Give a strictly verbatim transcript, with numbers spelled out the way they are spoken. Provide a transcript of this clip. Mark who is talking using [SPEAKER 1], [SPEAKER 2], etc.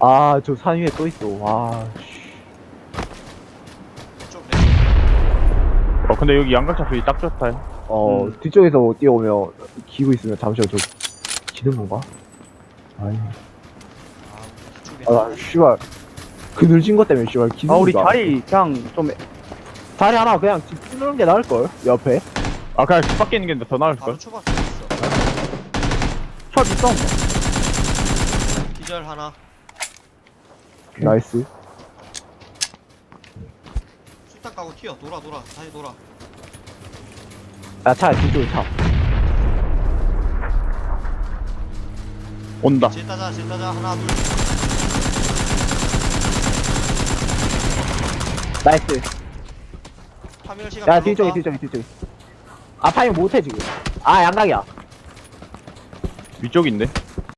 [SPEAKER 1] 아, 저 산 위에 또 있어. 와, 씨.
[SPEAKER 2] 좀
[SPEAKER 3] 어 근데 여기 양각 잡히기 딱 좋다.
[SPEAKER 1] 어,
[SPEAKER 3] 음.
[SPEAKER 1] 뒤쪽에서 뛰어오면, 기고 있으면 잠시만 저, 기는 건가? 아니.
[SPEAKER 2] 아,
[SPEAKER 1] 아, 씨발. 그늘진 것 때문에, 씨발, 기는
[SPEAKER 4] 아 우리
[SPEAKER 1] 건가?
[SPEAKER 4] 자리 그냥 좀
[SPEAKER 1] 자리 하나 그냥 집 뚫는 게 나을걸? 옆에?
[SPEAKER 3] 아 그냥 집 밖에 있는 게 더 나을
[SPEAKER 2] 바로
[SPEAKER 3] 걸.
[SPEAKER 2] 초밥 있어.
[SPEAKER 4] 첫 있어.
[SPEAKER 2] 기절 하나.
[SPEAKER 1] 나이스.
[SPEAKER 2] 수탄 까고 튀어. 돌아 돌아. 다시 돌아.
[SPEAKER 1] 야, 차, 뒤쪽에 차.
[SPEAKER 3] 온다.
[SPEAKER 2] 질 따자 질 따자 하나 둘.
[SPEAKER 1] 나이스.
[SPEAKER 2] 파밍 시간
[SPEAKER 1] 야,
[SPEAKER 2] 별로
[SPEAKER 1] 뒤쪽에,
[SPEAKER 2] 없다.
[SPEAKER 1] 뒤쪽에, 뒤쪽에. 아, 파밍 못해, 지금. 아, 양각이야.
[SPEAKER 3] 위쪽인데.